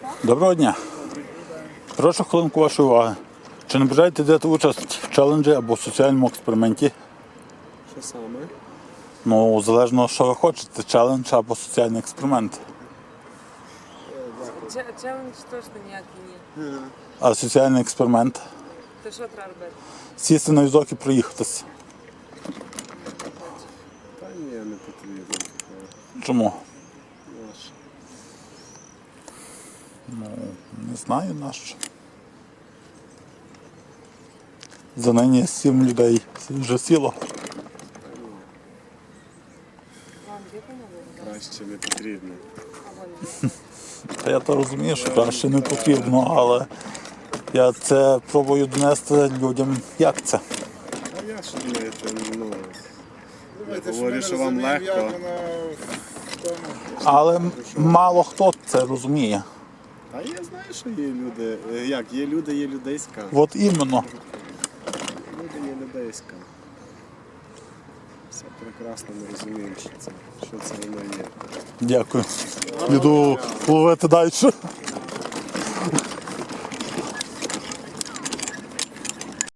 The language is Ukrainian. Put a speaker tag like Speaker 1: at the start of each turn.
Speaker 1: Доброго дня. Прошу хвилинку вашої уваги. Чи не бажаєте взяти участь в челенджі або в соціальному експерименті?
Speaker 2: Що саме?
Speaker 1: Ну, залежно, що ви хочете, челендж або соціальний експеримент.
Speaker 3: Челендж точно ніякий ні.
Speaker 1: А соціальний експеримент?
Speaker 3: То що треба робити?
Speaker 1: Сісти на візок і проїхатися.
Speaker 2: Та ні, не потрібно.
Speaker 1: Чому?
Speaker 2: Наш.
Speaker 1: Не знаю нащо. За нині 7 людей вже сіло.
Speaker 3: Вам є помогли?
Speaker 2: Краще не потрібно.
Speaker 3: А вон є.
Speaker 1: Та я то розумію, що краще не потрібно, але я це пробую донести людям, як це.
Speaker 2: А я що думаєте, я говорю, що вам легко.
Speaker 1: Але мало хто це розуміє.
Speaker 2: А я знаю, що є люди. Як, є люди, є людейська.
Speaker 1: От іменно.
Speaker 2: Люди є людейська. Все прекрасно, ми розуміємо, що це воно є.
Speaker 1: Дякую. Іду ловити далі.